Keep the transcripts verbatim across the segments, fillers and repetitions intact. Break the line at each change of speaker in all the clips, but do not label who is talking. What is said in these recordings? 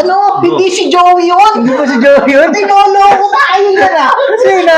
Ano? Hindi si Joey yun!
Hindi ba si Joey yun?
Tinuloko tayo yan ah!
Sino?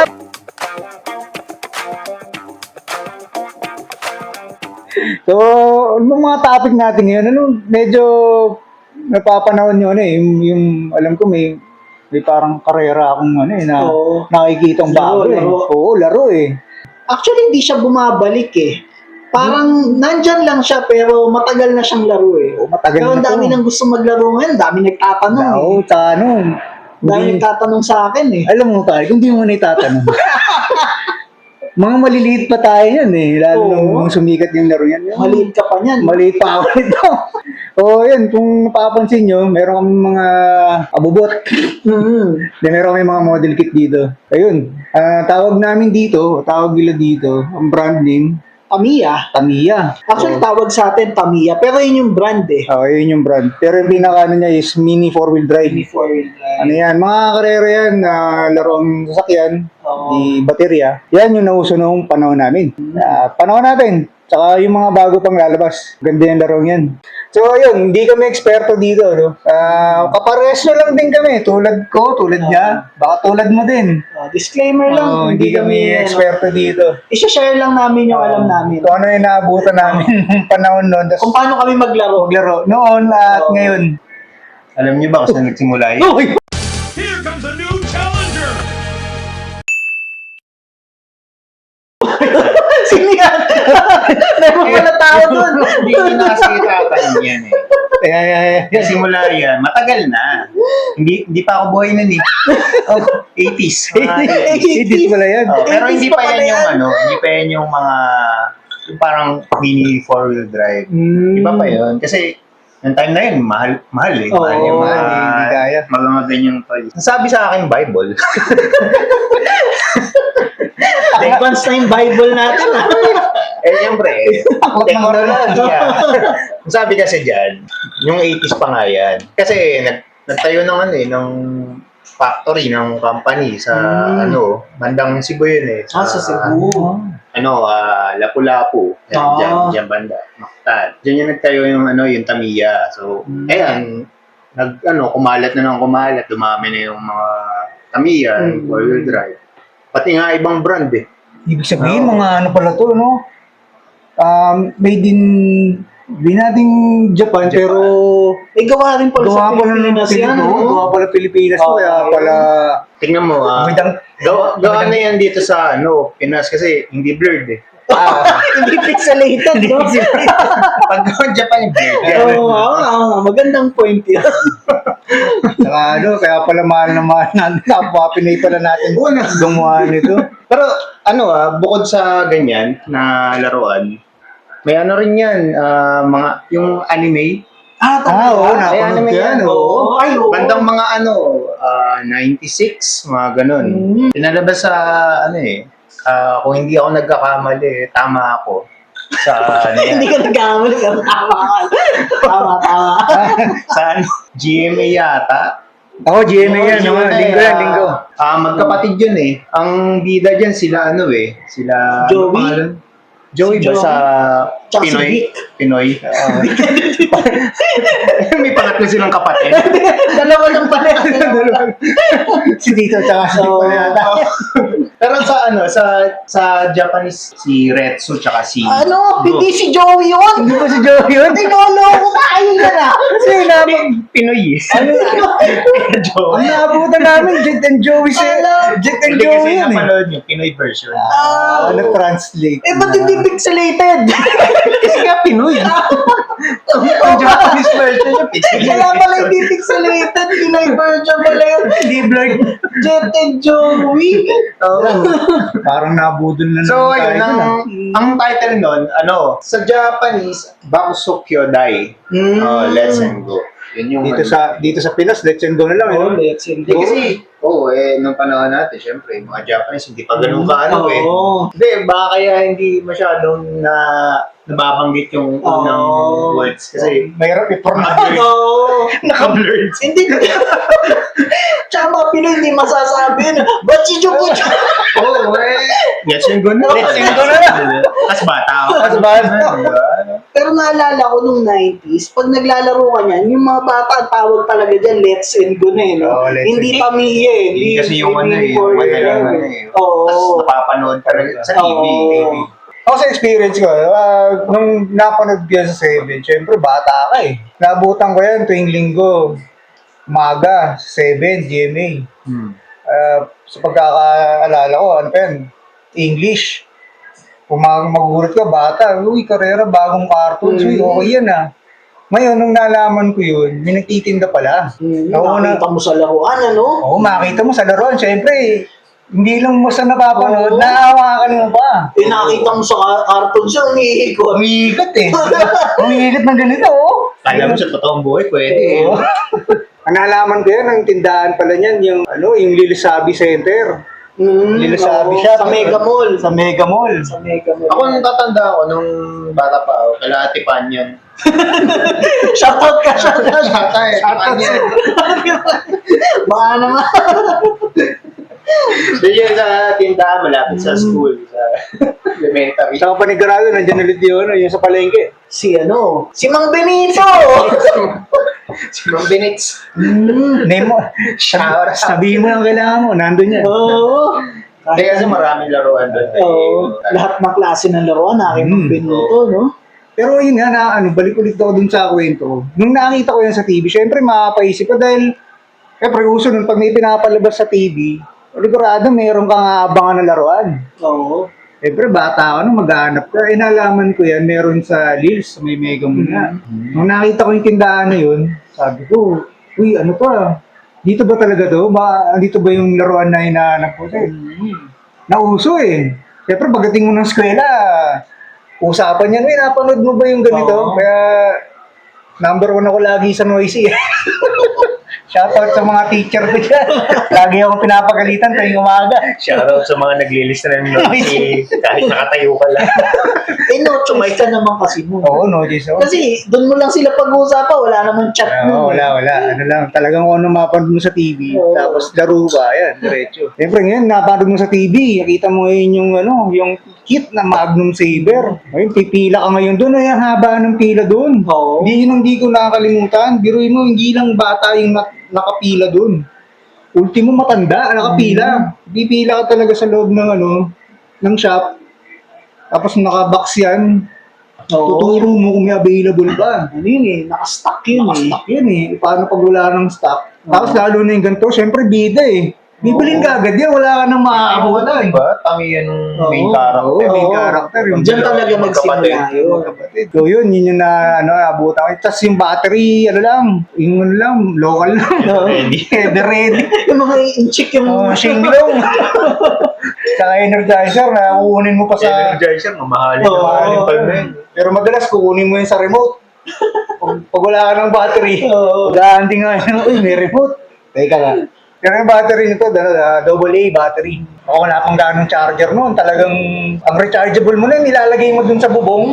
So, ano mga topic natin ngayon? Ano, medyo napapanahon yun eh. Yung, yung alam ko may may parang karera akong ano eh, na
Oo.
nakikitang
Laro,
bago eh.
laro.
Oo, laro eh.
Actually, hindi siya bumabalik eh. Parang nandyan lang siya pero matagal na siyang laro eh.
Oo, matagal
Pero ang
na to.
dami nang gusto maglaro ngayon, dami nagtatanong eh.
Oo, tanong.
Dami
Hindi-
nagtatanong sa akin eh.
Alam mo tayo, kung di mo na itatanong. Mga maliliit pa tayo yan eh. Lalo
Oo.
nung sumikat yung laro yan. Yung-
Maliit ka pa niyan.
Maliit pa ako nito. Oo, yan. Kung papansin nyo, meron kami mga abubot.
Mm.
Then meron kami mga model kit dito. Ayun. ah, tawag namin dito, tawag nila dito, ang brand name,
Tamiya.
Tamiya.
Actually,
Oo.
tawag sa atin Tamiya. Pero yun yung brand eh.
Oo, yun yung brand. Pero yung pinaka ano niya is mini four-wheel drive.
Before we
Ano yan, mga karera yan, na larong sasakyan,
Oo.
di baterya. Yan yung nauso noong panahon namin. Ah, panahon natin. Tsaka yung mga bago pang lalabas. Ganda yung larong yan. So, yun, hindi kami eksperto dito, no? Ah, kapares na lang din kami. Tulad ko, tulad niya. Baka tulad mo din.
Uh, disclaimer lang.
Oo, hindi kami
ano,
eksperto dito.
isa-share lang namin yung alam namin.
Kung ano yung naabutan namin nung panahon noon. Tas
Kung paano kami maglaro.
maglaro noon at
Oo.
ngayon.
Alam niyo ba kung saan nagsimula yun?
Uy!
Here comes a new challenger!
Sino yan? Meron pala tao dun.
Hindi ko na kasi tatanong yan eh.
Ay, ay, ay, ay.
Nagsimula yan, matagal na. Hindi hindi pa ako buhay nun eh. Oh, eighties. Mga eighties.
Edit pala yan.
Oh, pero hindi
eighties
pa
pa pala
yan yung
yan.
ano, hindi pa yan yung mga yung parang mini four-wheel drive.
Mm.
Iba pa yun. Kasi yung time na yun, mahal, mahal eh.
Oo,
mahal yung mga
hindi- hindi kaya.
magamagan yung toys. Sabi sa akin, Bible.
Advance na yung Bible natin. ah.
Eh, siyempre, eh,
Aklat ng
teknolohiya. Ang sabi kasi dyan, yung eighties pa nga yan. Kasi nag, nagtayo ng ano eh, ng factory, ng company sa
Hmm.
ano, bandang Cebu yun eh.
Ah, sa Cebu.
Ano, ah, Lapu-Lapu. Yan,
Ah.
dyan, dyan banda. Mactan. Dyan yung nagtayo yung ano, yung Tamiya. So,
Hmm.
ayan, nag, ano, kumalat na ng kumalat. Dumami na yung mga Tamiya,
Hmm.
four-wheel drive. Pati nga ibang brand eh.
Ibig sabihin,
Oo.
mga ano pala to, no? Um, made in, di nating Japan,
Japan.
pero
May gawa rin pala sa
gawa pala ng
Pilipinas yan.
Pilipinas.
oh.
Gawa pala Pilipinas to,
Oo.
kaya pala
Tingnan mo ah.
Magandang,
Gawa, gawa na yan dito sa ano, Pinas kasi hindi blurred eh.
ah,
Hindi pixelated, no?
Pag gawa Japan, blurred yan.
Oo, oo, oo, magandang point yun.
saka ano, kaya pala mahal na mahal natin. Kapwa Pinay pala natin gumawa nito.
Pero ano ah, bukod sa ganyan na laruan, may ano rin yan, ah, mga, yung anime.
Ah,
Ah, oo,
talaga?
May
napanood
anime
ko yan,
yan,
oo.
oo.
Ay, oo.
Bandang mga ano, ah, ninety-six, mga ganun.
Mm.
Pinalabas sa ano eh, ah, kung hindi ako nagkakamali, tama ako. Sa ano yan,
Hindi ka nagkamali ka. Tama ka. Tama, tama.
sa ano, G M A yata.
Ako, G M A yan,
Oo,
no?
G M A,
Linggo yan,
ah,
linggo.
Ah, magkapatid yun eh. Ang bida dyan sila ano eh, sila ano
Joey?
pangalan? Joey
Si
ba
Joey?
sa
Tsaka si
Pinoy?
Vic.
Pinoy. Ah. May pangatlo silang kapatid.
Dalawa lang pala. yan.
Si Dito, tsaka si
Oo.
pala yata.
Pero sa ano, sa sa Japanese si Retsu tsaka si
Ano?
Go.
Hindi si Joey yun.
Hindi ba si Joey yun?
Tinuloko tayo yan ah.
Kasi namin,
Pinoy. eh.
ano, ang
Joey.
naabutan namin, Jet and Joey si
Alam.
Jet and
Hindi kasi
Joey yun eh.
napanood yung Pinoy version.
Ah.
Ano, translate.
Eh, ba't hindi pixelated?
Kasi nga Pinoy. Ang Japanese version yung Pinoy.
Kaya pala hindi pixelated. Pinoy version pala yun.
Hindi blurred.
Jet and Joey.
Oo.
Parang nabudol na
So,
naman
ayun,
tayo
ang,
dun, ah.
ang title nun, ano, sa Japanese, Bakuso Kyodai.
Mm.
Oh, Let's and Go. Yun yung
Dito
ano.
sa dito sa Pinas, let's and go na lang.
Oh,
eh.
let's and
Hindi
go.
kasi, oo, oh, eh, nung panahon natin, syempre, yung mga Japanese, hindi pa ganun ka ano eh.
Oo.
Hindi, baka kaya hindi masyadong na nababanggit yung unang
Oo.
words. Kasi,
Mahirap i-pronounce.
naka-blurred.
Oo.
Naka-blurred.
Hindi. Tsaka mga Pinoy hindi masasabi yun. Ba't si Chukucho?
Oo, eh. Let's yung go na.
Let's yung go na lang.
Tapos bata ako.
Tapos bata.
Pero naalala ko nung nineties, pag naglalaro ka niyan, yung mga bata, ang tawag talaga dyan, let's and go na eh, no?
Oo, let's
Hindi
and
pamilya eh.
Hindi kasi yung ano eh,
for
yung
you,
madalang
eh.
ano eh.
Oo.
Tapos napapanood talaga sa T V.
Oo.
T V.
Ako sa experience ko, ah, nung napanood ko yan sa seven, syempre bata ka eh. Naabutan ko yan tuwing linggo, umaga, seven, G M A.
Hmm.
Ah, sa pagkakaalala ko, ano pa yan? English. Kung mag magugulat ka, bata, uy, karera, bagong cartoons, uy,
Mm.
okay yan ah. Ngayon, nung nalaman ko yun, may nagtitinda pala.
Hmm,
Ako na-
nakita mo sa laruan, ano?
Oo, makita mo sa laruan, syempre, hindi lang mo sa napapanood,
Oo.
naawakan mo pa.
Eh, nakita mo sa ka- cartoon siya, umiikot.
Umiigot eh. Umiigot ng ganito, oh.
Kala mo sa totoong buhay, pwede eh.
Oo. Ang nalaman ko yan, ang tindahan pala niyan, yung, ano, yung Lilisabi Center.
Hmm,
Lilisabi
oo,
siya.
Sa Mega Mall.
Sa Mega Mall.
Sa Mega Mall.
Ako nung tatanda ako, nung bata pa ako, kala Ate Pan yun.
Shoutout ka, shoutout.
Bata eh, Ate Pan yun.
Baka naman.
Doon yun sa tindahan, malapit sa school, sa elementary.
Sa panigurado, nandiyan ulit yun, yung sa palengke.
Si ano? Si Mang Benito!
Si Ma'am Benitz.
Hmm.
Name mo.
Shout out.
Sabihin mo ang kailangan mo, nandun yan.
Oo.
Hindi kasi maraming laruan doon.
Oo. Lahat ng klase ng laruan, aking Mang
Hmm.
Benito, no?
Pero yun nga, na, ano, balik ulit ako dun sa kwento. Nung nakita ko yan sa T V, syempre makapaisip ko dahil, syempre uso nun, pag may pinapalabas sa T V, ligurado meron kang aabangan na laruan.
Oo.
Siyempre, bata ako nung maghanap ka. Eh, nalaman ko yan, meron sa Lils, sa may Mega Mall nga. Nung nakita ko yung tindahan na yun, sabi ko, uy, ano pa? Dito ba talaga to? Ba, dito ba yung laruan na hinahanap ko? Eh, nauso eh. Siyempre, pagdating mo ng eskwela, usapan yan, uy, napanood mo ba yung ganito?
Oo.
Kaya, number one ako lagi sa noisy. Shoutout sa mga teacher ko dyan. Lagi akong pinapagalitan tuwing umaga.
Shoutout sa mga naglilista ng notes kahit nakatayo ka lang.
Eh, no choice ka naman kasi mo.
Oo, no, Jason.
Kasi doon mo lang sila pag-uusapan, wala namang chat
Oo,
mo.
wala, wala. Ano lang, talagang kung ano mapanood mo sa T V,
Oo.
tapos laro ka, yan, diretso. Siyempre ngayon, napanood mo sa T V, nakita mo ngayon yung, ano, yung kit na Magnum Saber. Ngayon, pipila ka ngayon doon, ay ang haba ng pila doon.
Oo.
Hindi yun ang di ko nakakalimutan. Biruin mo, hindi lang bata yung nak- nakapila doon. Ultimo matanda, nakapila. Pipila ka talaga sa loob ng, ano, ng shop. Tapos nakabox yan.
Oo.
Tuturo mo kung may available ba.
Ano yun eh, nakastock yun eh.
Nakastock yun eh. Paano pag wala ng stock? Tapos lalo na yung ganito, syempre bida eh. Bibilin ka agad yan, wala ka nang makakabutan.
Diba? Tangi yan ng main
Oo.
character.
Oo, main
Oo.
character. Yung
Diyan talaga magsimula yun.
magkapatid. So yun, yun yung na, ano, abutan ko. Tapos yung battery, ano lang, yung ano lang, local lang.
Ready.
Header ready.
Yung mga inchik yung...
Oh, shinglong. Saka energizer na kukunin mo pa sa...
Energizer, mamahalin
Oo.
na mahalin pa yun.
Pero madalas kukunin mo yun sa remote. Pag, pag wala ka ng battery,
Oo.
mag-aanting nga yun, uy, may remote. Teka nga. Pero yung battery nito, ano, uh, double A battery. Ako wala pang ganong charger noon. Talagang, ang rechargeable mo na, nilalagay mo dun sa bubong.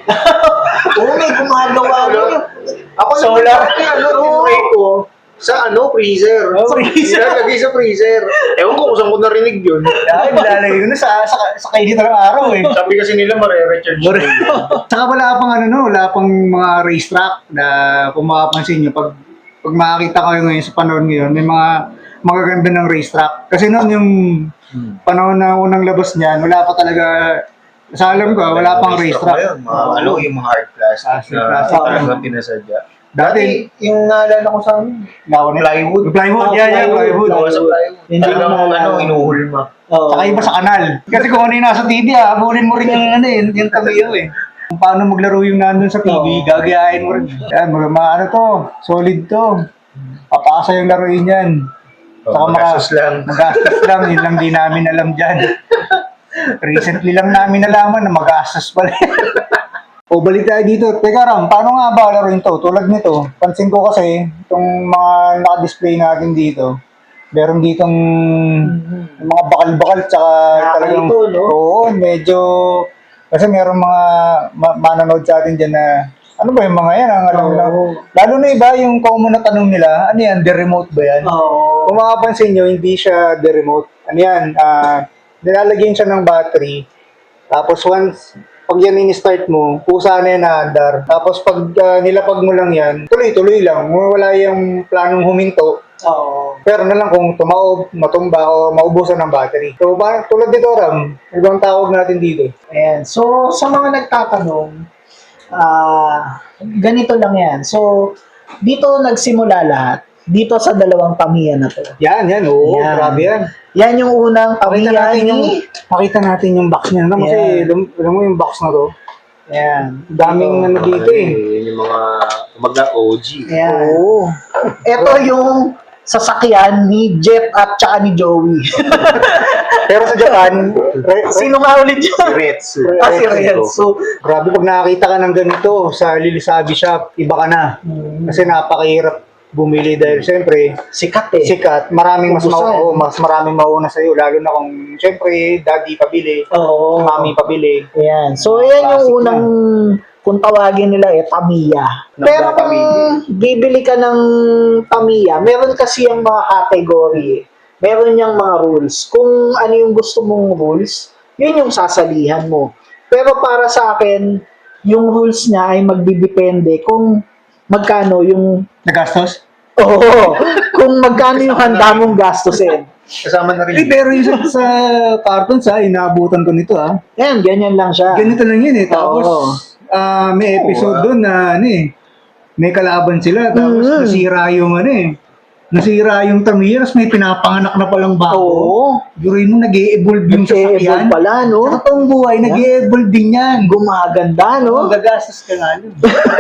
Oo, may gumagawa nun.
Ako
Solar.
naman, ano, tinry ko sa ano, freezer.
Oh, freezer.
Nilalagay sa freezer. Ewan ko kung saan ko narinig yun.
Dahil nilalagay ko na sa, sa, sa kainit ng araw eh.
Sabi kasi nila mare-recharge.
Saka wala pang ano, no, wala pang mga racetrack na kung makapansin nyo, pag, pag makakita kayo ngayon sa panahon ngayon, may mga magaganda ng racetrack. Kasi noon yung panahon na unang labas niyan, wala pa talaga, sa alam ko, wala pang racetrack.
Mga, ano, yung mga hard plastic
Plastic,
na
plastic.
talagang pinasadya.
Dati,
Dati, yung naalala ko sa amin,
nakunin.
plywood.
Yung plywood,
Ah,
yeah, yeah,
plywood.
plywood.
Gawa sa plywood.
Hindi
Talagang
ko naalala.
ano, inuhulma.
Oo.
Saka iba sa kanal. Kasi kung ano yung nasa T V, ah, abulin mo rin yung ano eh, yung tamiyo eh. Kung paano maglaro yung nandun sa T V,
Oo.
gagayahin mo rin. Yan, mga, mga ano to, solid to. Papasa yung laruin yan. Saka
Oh,
maka-
magastos lang.
Magastos lang, yun lang di namin alam dyan. Recently lang namin nalaman na magastos pala. O balik tayo dito. Teka Ram, paano nga ba laruin to? Tulad nito, pansin ko kasi, itong mga naka-display natin dito, meron ditong mga bakal-bakal tsaka talagang,
Nakakalito, no?
oo, medyo Kasi merong mga ma- manonood sa atin dyan na, ano ba yung mga yan? Ang alam lang.
Oo.
Lalo na iba, yung common na tanong nila, ano yan, the remote ba yan?
Oo.
Kung makapansin nyo, hindi siya the remote. Ano yan, ah, nilalagyan siya ng battery. Tapos once, pag yan in-start mo, kusa na yan naandar. Tapos pag ah, nilapag mo lang yan, tuloy-tuloy lang. Wala yung planong huminto.
Oo.
Pero na lang kung tumaob, matumba, o maubusan ng battery. So, parang tulad dito, Ram, ibang tawag natin dito.
Ayan. So, sa mga nagtatanong, ah ganito lang yan. So, dito nagsimula lahat. Dito sa dalawang tamiya na to.
Yan, yan, oo,
Yan.
grabe yan.
Yan yung unang
Pakita
tamiya
natin yung,
ni...
pakita natin yung box niya. Ano, kasi,
Yan.
alam, alam mo yung box na to,
Yan.
daming ano dito eh.
Yun yung mga kumbaga O G.
Yan.
Oo.
Ito yung sasakyan ni Jet at saka ni Joey.
Pero sa Japan, re-
Sino nga ulit
Si
yun?
Retsu.
Ah, si Renzo.
grabe pag nakakita ka ng ganito sa Lilisabi Shop, iba ka na. Kasi napakahirap bumili dahil siyempre,
Sikat eh.
sikat, maraming mas,
Ubusan.
mau- mas maraming mauna sa iyo, lalo na kung siyempre, daddy pabili,
Oo.
mami pabili.
Ayan. So, yan yung
Classic
unang, kung tawagin nila eh, Tamiya. Pero kung bibili ka ng Tamiya, meron kasi yung mga category eh. Meron yung mga rules. Kung ano yung gusto mong rules, yun yung sasalihan mo. Pero para sa akin, yung rules niya ay magdidepende kung magkano yung
Nagastos?
Oo. Kung magkano yung handa mong gastusin.
Kasama na
Eh,
rin.
pero yung sa, sa cartons ha, inaabutan ko nito ha.
Yan, ganyan lang siya.
Ganito lang yun eh. Tapos,
Oo.
ah, may episode
Oo, ah.
doon na ano eh, may kalaban sila. Tapos
Mm.
nasira yung ano eh. Nasira yung Tamiya, tapos may pinapanganak na palang bago.
Oo.
Yurin mo, nag-e-evolve yung
Nag-e-evolve
sasakyan.
pala, no?
Sa totoong buhay, nag-e-evolve din yan.
Gumaganda, no?
Gagastos ka nga nun.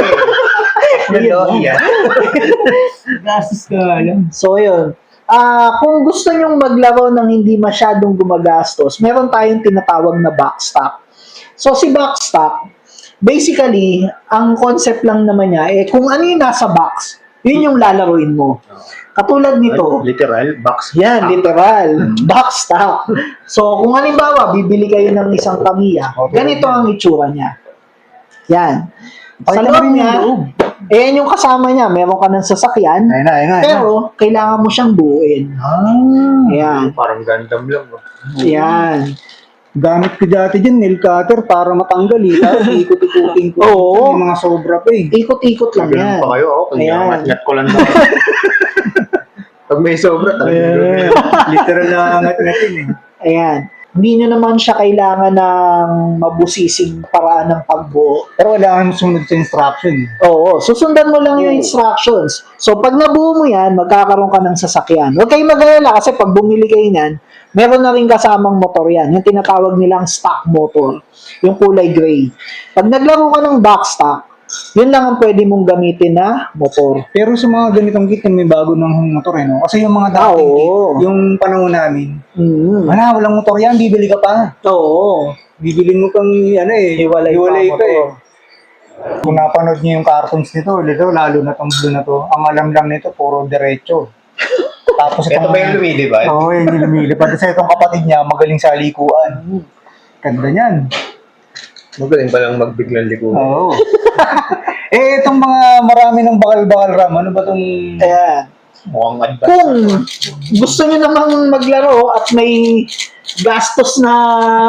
Technology yan.
Gagastos ka nga lang.
So, yun. Ah, kung gusto nyong maglaro ng hindi masyadong gumagastos, meron tayong tinatawag na backstop. So, si backstop, basically, ang concept lang naman niya, eh, kung ano yung nasa box, yun yung lalaroin mo. Katulad nito,
Literal, box.
yan, literal, backstop. So, kung halimbawa, bibili kayo ng isang Tamiya, ganito ang itsura niya. Yan. Sa
Pakita mo
loob
rin yung
niya,
loob.
eh, yan yung kasama niya, meron ka ng sasakyan,
Ayun na, ayun na. ayun na.
pero kailangan mo siyang buuin.
Ah,
Ayan.
Parang Gundam lang. no?
Yan.
gamit ko dati dyan, nail cutter para matanggal eh. Tapos ikot-ikutin ko.
Oo.
May mga sobra pa eh.
Ikot-ikot lang
Ganun
yan.
pa kayo ako. Kung
Ayan.
ngat-ngat ko lang naman. Pag may sobra, talagang
Eh, literal na angat-ngatin eh.
Ayan. Hindi nyo naman siya kailangan ng mabusising paraan ng pagbuo.
Pero wala kang sunod sa instruction. eh.
Oo, susundan mo lang yung instructions. So, pag nabuo mo yan, magkakaroon ka ng sasakyan. Huwag kayong mag-alala kasi pag bumili kayo niyan, meron na rin kasamang motor yan. Yung tinatawag nilang stock motor. Yung kulay gray. Pag naglaro ka ng backstock, yun lang ang pwede mong gamitin na motor.
Pero sa mga ganitong kit, may bago ng motor eh, no? Kasi yung mga dating
Oo.
kit, yung panahon namin,
Mm.
wala, walang motor yan, bibili ka pa.
Oo.
Bibili mo pang, ano eh,
Hiwalay pa
hiwalay
motor.
pa eh. Kung napanood niyo yung cartoons nito, dito, lalo na tong blue na to, ang alam lang nito, puro diretso. Tapos
Ito ba yung lumilipad?
Oo, yun yung lumilipad. Kasi itong kapatid niya, magaling sa likuan. Ganda niyan.
Magaling palang magbiglang liko.
Oo. eh, itong mga marami ng bakal-bakal ram, ano ba itong...
Ayan.
Mukhang advance.
Kung gusto nyo namang maglaro at may gastos na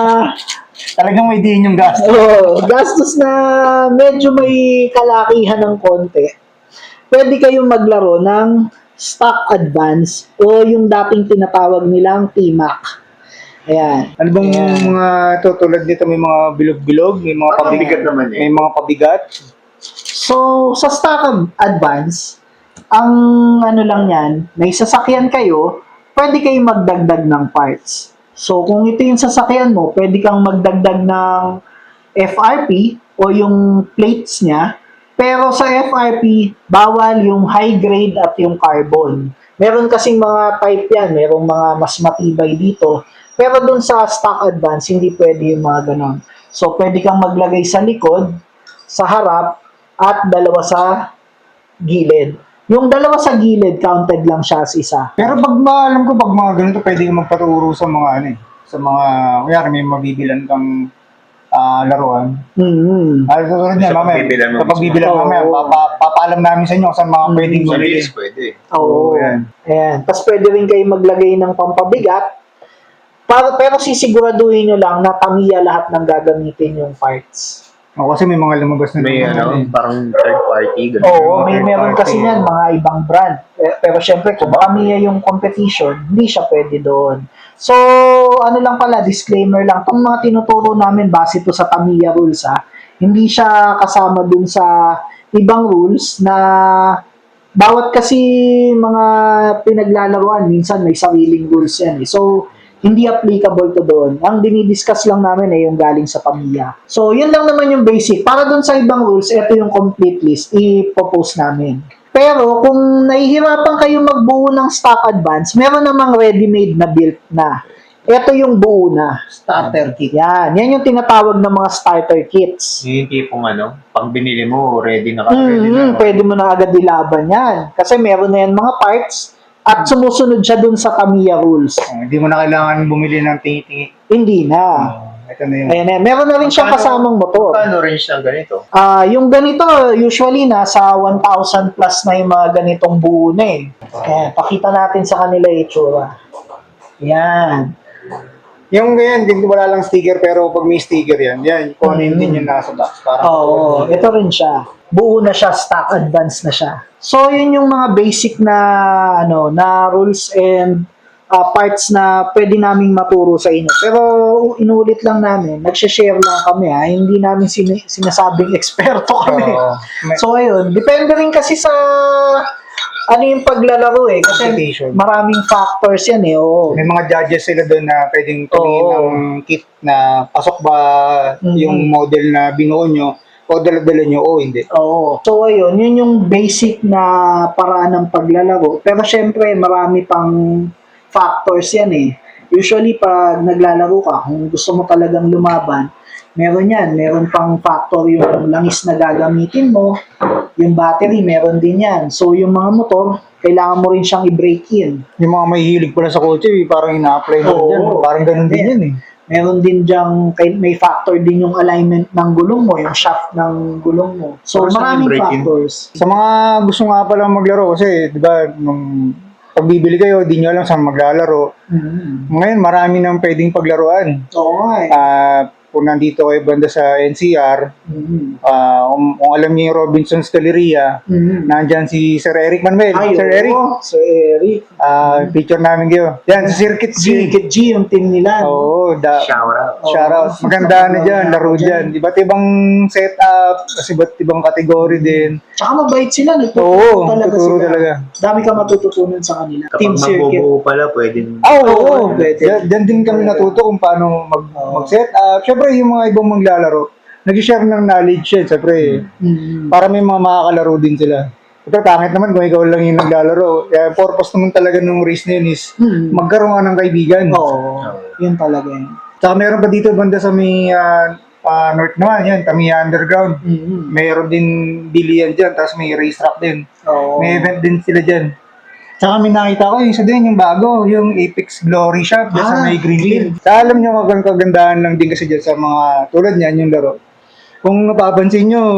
Talagang may diin yung gas.
oh, gastos na medyo may kalakihan ng konti, pwede kayong maglaro ng stock advance o yung dating tinatawag nilang T M A C. Ayan.
Ano bang
Ayan.
mga ito, tulad nito, may mga bilog-bilog, may mga
Parang
pabigat,
bigat naman eh.
may mga pabigat.
So, sa stock advance, ang ano lang yan, may sasakyan kayo, pwede kayong magdagdag ng parts. So, kung ito yung sasakyan mo, pwede kang magdagdag ng F R P o yung plates niya. Pero sa F R P, bawal yung high grade at yung carbon. Meron kasing mga type yan, merong mga mas matibay dito. Pero dun sa stock advance, hindi pwede yung mga ganon. So, pwede kang maglagay sa likod, sa harap, at dalawa sa gilid. Yung dalawa sa gilid, counted lang siya as isa.
Pero pag ma- alam ko, pag mga ganito, pwede kang magpaturo sa mga ano eh, sa mga, kaya may mabibilan kang ah, laruan.
Mm-hmm.
Ah, susunod niya,
Sa
mamaya.
pagbibilan mo
Kapag
mismo.
bibilan
Oo.
mamaya, papa, papaalam namin sa inyo kung saan mga
Mm.
pwedeng
Sa
bumili.
bilis pwede.
Oo.
Oo, yan.
Ayan. Tapos pwede rin kayo maglagay ng pampabigat. Para, pero sisiguraduhin nyo lang na Tamiya lahat ng gagamitin yung parts.
O, kasi may mga lumabas na
May
naman
ano,
eh.
parang third party. Ganun.
Oo, may
third
meron
party.
kasi yan, mga ibang brand. Eh, Pero syempre, kung Tamiya yung competition, hindi siya pwede doon. So, ano lang pala, disclaimer lang, itong mga tinuturo namin base to sa Tamiya rules ha, hindi siya kasama dun sa ibang rules na bawat kasi mga pinaglalaruan, minsan may sariling rules yan eh. So, hindi applicable to doon. Ang dinidiscuss lang namin ay yung galing sa Tamiya. So, yun lang naman yung basic. Para doon sa ibang rules, ito yung complete list. I-propose namin. Pero, kung nahihirapan kayo magbuo ng stock advance, meron namang ready-made na built na. Ito yung buo na.
Starter kit.
Yan. Yan yung tinatawag ng mga starter kits.
Yung tipong ano, pag binili mo, ready na ka. Ready
Mm,
na.
pwede mo na agad ilaban yan. Kasi meron na yan mga parts at sumusunod siya dun sa Tamiya rules.
Oh, hindi mo na kailangan bumili ng tingi-tingi.
Hindi na.
Oh, ito na yun.
Ayan, ayan. Meron na rin siyang
Magkano-
kasamang motor.
Paano range ng ganito?
Ah, yung ganito, usually nasa one thousand plus na yung mga ganitong buo na eh. Ayan, pakita natin sa kanila yung itsura. Yan.
Yung ganyan, din wala lang sticker pero pag may sticker yan, yan, kung ano yun din yung nasa box. Parang,
Oo, ito rin siya. Buo na siya, stock advance na siya. So, yun yung mga basic na ano, na rules and ah, parts na pwede naming maturo sa inyo. Pero inulit lang namin, nagsha-share lang kami ha, hindi namin sin- sinasabing eksperto kami.
Oo. May-
So, ayun, depende rin kasi sa ano yung paglalaro eh. Kasi
Competition.
maraming factors yan eh. Oo.
May mga judges sila doon na pwedeng tumingin
Oo.
ng kit na pasok ba
Mhm.
yung model na binuo nyo o dala-dala nyo o hindi.
Oo. So, ayun, yun yung basic na paraan ng paglalaro. Pero syempre, marami pang factors yan eh. Usually, pag naglalaro ka, kung gusto mo talagang lumaban, meron yan. Meron pang factor yung langis na gagamitin mo. Yung battery, meron din yan. So, yung mga motor, kailangan mo rin siyang i-break in.
Yung mga may hilig pala sa kotse, eh, parang ina-apply na
Oo.
dyan. Parang ganun din yan eh.
Meron din diyang, kay- may factor din yung alignment ng gulong mo, yung shaft ng gulong mo. So,
Or saan
maraming
yung break-in?
factors.
Sa mga gusto nga pala maglaro kasi, di ba, nung pagbibili kayo, di nyo alam saan maglalaro.
Mhm.
Ngayon, marami nang pwedeng paglaruan.
Oo nga eh.
Ah, kung nandito kayo banda sa N C R,
Mhm.
ah, kung, kung alam niyo yung Robinson's Galleria,
Mhm.
nandyan si Sir Eric Manuel.
Ay,
Sir
oo,
Eric,
Sir Eric.
ah, picture namin kayo. Yan, si Circuit G.
Circuit G, yung team nila.
Oo, da,
Shout out.
Oo.
shout out. Maganda na dyan, laro
Dyan.
dyan. Iba't ibang setup, kasi iba't ibang kategory din.
Tsaka mabait sila, nagtuturo
Oo,
talaga
tuturo
sila.
talaga.
Dami ka matututunan sa kanila.
Kapag
Team Circuit.
magbubuo pala, pwede.
Ah, oo,
Oo,
oo.
pwede.
Dyan, dyan din kami natuto kung paano mag,
Oo.
mag-set up. Siyempre, yung mga ibang maglalaro, nag-share ng knowledge yan. Siyempre,
Mhm.
para may mga makakalaro din sila. Ito, pangit naman kung ikaw lang yung naglalaro. Kaya purpose naman talaga ng race na yun is
Mhm.
magkaroon ka ng kaibigan.
Oo, yun talaga yun.
Tsaka meron pa dito banda sa may ah, ah, north naman, yan, Tamiya Underground.
Mhm.
Mayroon din bilian dyan, tapos may racetrack din.
Oo.
May event din sila dyan. Tsaka may nakita ko, yung isa din, yung bago, yung Apex Glory Shop, dyan sa
Ah,
may Greenfield. Sa alam nyo, kag kagandahan lang din kasi dyan sa mga, tulad niyan, yung laro. Kung napapansin nyo,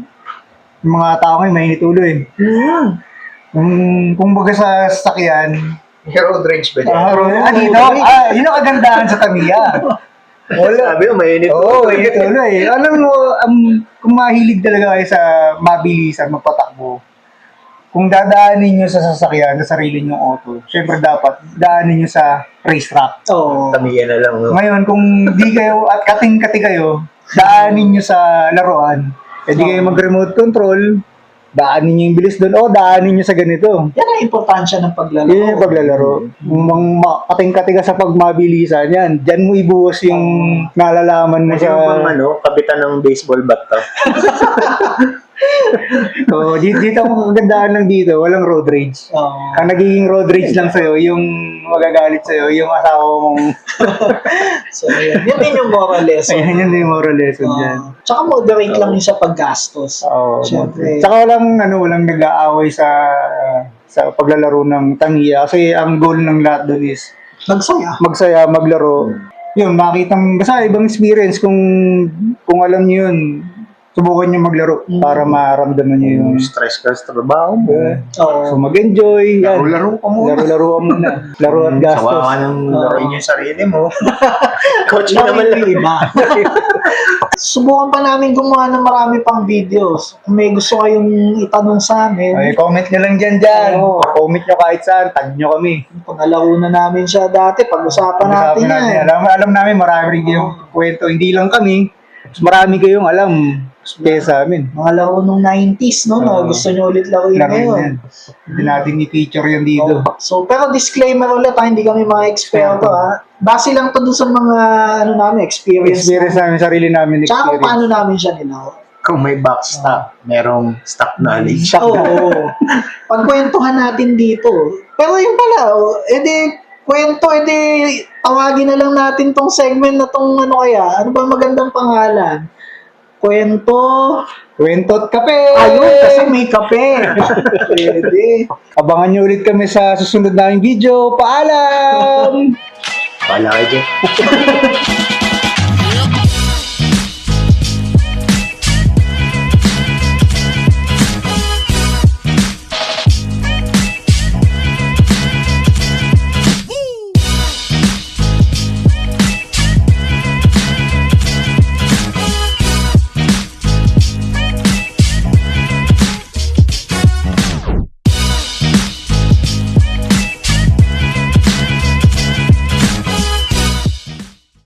yung mga tao ngayon, mainit ulo eh.
Mhm.
Kung, kung baga sa sasakyan,
Road rage ba dyan?
ah, ah, dito, ah, yun ang kagandahan sa Tamiya. Wala.
Sabi mo, mainit.
Oo, oh, mainit ulo eh. Alam mo, um, kung mahilig talaga kayo sa mabilisan, magpatakbo, kung dadaanin nyo sa sasakyan, sa sarili nyong auto, syempre dapat daanin nyo sa racetrack.
Oo.
Tamiya na lang. No?
Ngayon, kung di kayo, at kating-kati kayo, daanin nyo sa laruan, pwede kayo mag-remote control, daanin nyo yung bilis doon, o daanin nyo sa ganito.
Yan ang importansya ng paglalaro.
Yun yung paglalaro. Kung mang ma- kating-kati ka sa pagmabilisan, yan, dyan mo ibuhos yung nalalaman mo
Kasi
sa...
yung bang ano, kapitan ng baseball bat to.
So, dito, dito ang kagandahan lang dito, walang road rage.
Oo.
Ang nagiging road rage lang sa'yo, yung magagalit sa'yo, yung asawa mong...
So, yun. Yun din yung moral lesson.
Ayan, yun yung moral lesson dyan.
Oo. Tsaka moderate lang yun sa paggastos.
Oo.
Siyempre.
Tsaka walang, ano, walang nag-aaway sa sa paglalaro ng Tamiya kasi ang goal ng lahat doon is
Magsaya.
magsaya, maglaro. yun, makitang, basta ibang experience kung, kung alam niyo yun, subukan niyo maglaro
Mm.
para maramdaman niyo yung,
Stress ka sa trabaho mo.
uh,
Oo.
so mag-enjoy, yan.
Laro-laro ka muna.
Laro-laro ka muna. Laro at gastos.
Sawa ka ng
Oo.
laruin yung sarili mo. Coaching
Laro
naman lang.
yung iba. Subukan pa namin gumawa ng marami pang videos. Kung may gusto kayong itanong sa amin,
Ay, comment nyo lang dyan dyan.
Oo.
Comment nyo kahit saan, tag nyo kami.
pangalaro na namin siya dati, pag-usapan natin
Pag-usapan
yan.
Alam, alam namin, marami rin kayong kwento. Hindi lang kami, mas marami kayong alam kaya sa amin.
Mga laro nung nineties, no? Na
Oo.
gusto nyo ulit laruin
Laro
ngayon.
yan. Hindi natin i-feature yan dito.
Oh. So, pero disclaimer ulit ha, hindi kami mga eksperto ha. Base lang to dun sa mga, ano namin, experience.
Experience namin, sarili namin
Tsaka kung
experience.
paano namin siya nilaro.
Kung may backstop, merong stock knowledge.
Oo. Pagkwentuhan natin dito. Pero yung pala, oh, edi, kwento, edi, tawagin na lang natin tong segment na tong ano kaya. Ano ba magandang pangalan? Kwento.
Kwento't kape!
Ayun, kasi may kape. Pwede.
Abangan nyo ulit kami sa susunod naming video. Paalam!
Wala kayo dyan.